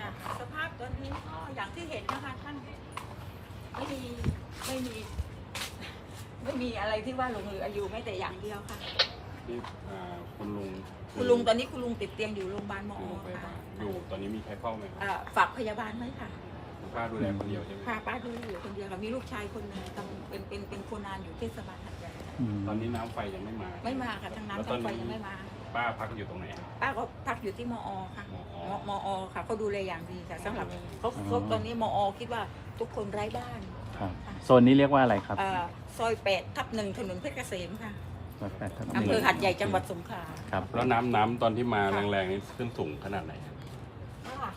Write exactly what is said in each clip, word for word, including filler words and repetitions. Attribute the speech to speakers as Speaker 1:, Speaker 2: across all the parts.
Speaker 1: ค่ะสภาพตอนนี้ก็อย่างที่เห็นนะคะท่านไม่มีไม่มี ไม่มีอะไรที่ว่าหลงเหลืออายุไม่แต่อย่างเดียวค่ะ
Speaker 2: ที่อ่าคุณลุง
Speaker 1: คุณลุงตอนนี้คุณลุงติดเตียงอยู่โรงพยาบาลมอ
Speaker 2: อยู่โรงพยา
Speaker 1: ค่ะ
Speaker 2: บาลอยู่ตอนนี้มีใครเฝ้าไหมครับ
Speaker 1: อ่าฝากพยาบาลไว้ค่ะ
Speaker 2: คุณป้าดูแลคนเดียวใช่ไหม
Speaker 1: พาป้าดูอยู่คนเดียวค่ะมีลูกชายคนหนึงทำเป็นเป็นเป็นคนงานอยู่เทศบาลหัดใหญ่
Speaker 2: ตอนนี้น้ำไฟยังไม่มา
Speaker 1: ไม่มาค่ะทั้งน้ำทั้งไฟยังไม่มา
Speaker 2: ป้าพักอยู่ตรงไหนครับ
Speaker 1: ป้าก็พักอยู่ที่มอค่ะ
Speaker 2: มอ
Speaker 1: มมอค่ะเขาดูแลอย่างดีค่ะสำหรับเขา
Speaker 3: อ๋อ
Speaker 1: เขาตอนนี้มอคิดว่าทุกคนไร้บ้าน
Speaker 3: ครับโซนนี้เรียกว่าอะไรครับ
Speaker 1: อ่าซอยแปดทับหนึ่งถนนเพชรเกษมค่ะ
Speaker 3: ซอยแปดทับห
Speaker 1: อำ
Speaker 3: นึ่ง
Speaker 1: เภอหัดใหญ่จังหวัดสงขลา
Speaker 3: ครับ
Speaker 2: แล้วน้ำน้ำตอนที่มาแรงๆนี่ขึ้นสูงขนาดไหนครับ
Speaker 1: ค่ะ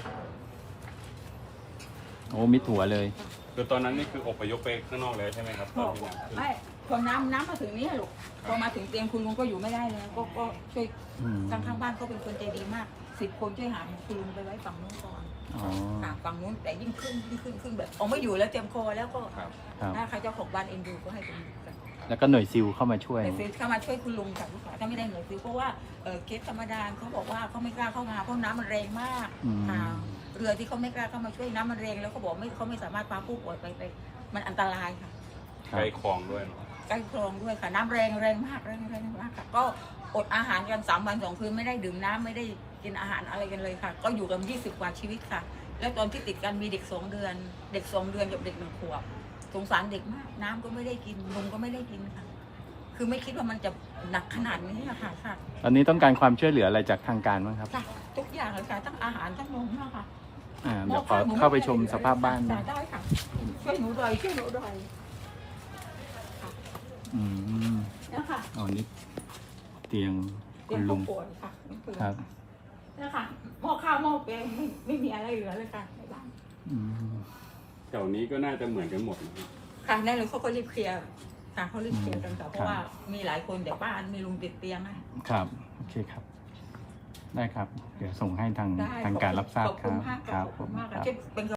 Speaker 3: โอ้มิดหัวเลย
Speaker 2: คือตอนนั้นนี่คืออพยพไปข้างนอกเลยใช่ไหมครับตอนที่น้ำขึ้น
Speaker 1: ไม่พอน้ำน้ำมาถึงนี่ลูกพอมาถึงเตียงคุณลุงก็อยู่ไม่ได้แล้วก็ก็ช่วย
Speaker 3: อืม
Speaker 1: ทางข้างบ้านเขาเป็นคนใจดีมากสิบคนช่วยหาคุณลุงไปไว้ฝั่งนู้นก่อน
Speaker 3: อ๋อ
Speaker 1: ค่ะฝั่งนู้นแต่ยิ่งขึ้นยิ่งขึ้นขึ้นแบบเอาไม่อยู่แล้วเตรียมคอแล้วก็
Speaker 2: ครับ
Speaker 3: ครับ
Speaker 1: ถ้าใครเจ้าของบ้านเอ็นดูก็ให้เป็นกัน
Speaker 3: แล้วก็หน่วยซิลเข้ามาช่วย
Speaker 1: แต่ซื้อเข้ามาช่วยคุณลุงค่ะลูกค้าถ้าไม่ได้หน่วยซื้อเพราะว่าเออเคสธรรมดาเขาบอกว่าเขาไม่กล้าเข้ามาเพราะน้ำมันแรงมาก
Speaker 3: อืม
Speaker 1: ค่ะเรือที่เขาไม่กล้าเข้ามาช่วยน้ำมันแรงแล้วเขาบอกไม่เขาไม่สามารถพาผู้ป่วยไปไปมันอันตรายค่ะ
Speaker 3: ครั
Speaker 2: ใก
Speaker 3: บ
Speaker 2: ล้คลองด้วยเนอะ
Speaker 1: ใกล้คลองด้วยค่ะน้ำแรงแรงมากแรงแรงมากค่ะก็อดอาหารกันสามวันสองคืนไม่ได้ดื่มน้ำไม่ได้กินอาหารอะไรกันเลยค่ะ ก็อยู่กันยี่สิบกว่าชีวิตค่ะ แล้วตอนที่ติดกันมีเด็กสองเดือน เด็กสองเดือนกับเด็กหนึ่งขวบสงสารเด็กมากน้ำก็ไม่ได้กินนมก็ไม่ได้กินค่ะ คือไม่คิดว่ามันจะหนักขนาดนี้อะค่ะค่ะ
Speaker 3: ตอนนี้ต้องการความช่วยเหลืออะไรจากทางการบ้างครับ
Speaker 1: ค่ะทุกอย่างเลยค่ะทั้งอาหารทั้งนมนะคะ
Speaker 3: อ่าเดี๋ยวขอเข้าไปชมสภาพบ้าน
Speaker 1: ค่ะ
Speaker 3: นะ
Speaker 1: ได้ค่ะช่วยหนูหน่อยช่วยหนูหน่อยค่ะ
Speaker 3: อืม
Speaker 1: นะคะ
Speaker 3: อ๋อนี่เตียง
Speaker 1: เตี
Speaker 3: คุ
Speaker 1: ยง
Speaker 3: ณลุ
Speaker 1: ผู้
Speaker 3: ง
Speaker 1: ป่วยค่ะนี่คือ
Speaker 3: ครับ
Speaker 1: นะคะหม้อข้าวหม้อแกงไม่ไม่มีอะไรเหลือเลยค่ะในบ้าน
Speaker 3: อืม
Speaker 2: แถวนี้ก็น่าจะเหมือนกันหมดนะครับ
Speaker 1: ค่ะแน่เลยเขาก็รีบเคลียร์ค่ะเขารีบเคลียร์กันค่ะเพราะว่ามีหลายคนแต่บ้านมีลุงติดเตียงให้
Speaker 3: ครับ โอเคครับ ได้ครับ เดี๋ยวส่งให้ทาง
Speaker 1: ได้
Speaker 3: ทางการรับทราบ
Speaker 1: ขอบ
Speaker 3: ค
Speaker 1: คุ
Speaker 3: รั
Speaker 1: ณ
Speaker 3: บ
Speaker 1: มาก
Speaker 3: ครับ
Speaker 1: ขอบคุณมาก
Speaker 3: ครับ
Speaker 1: ค่ะเป็น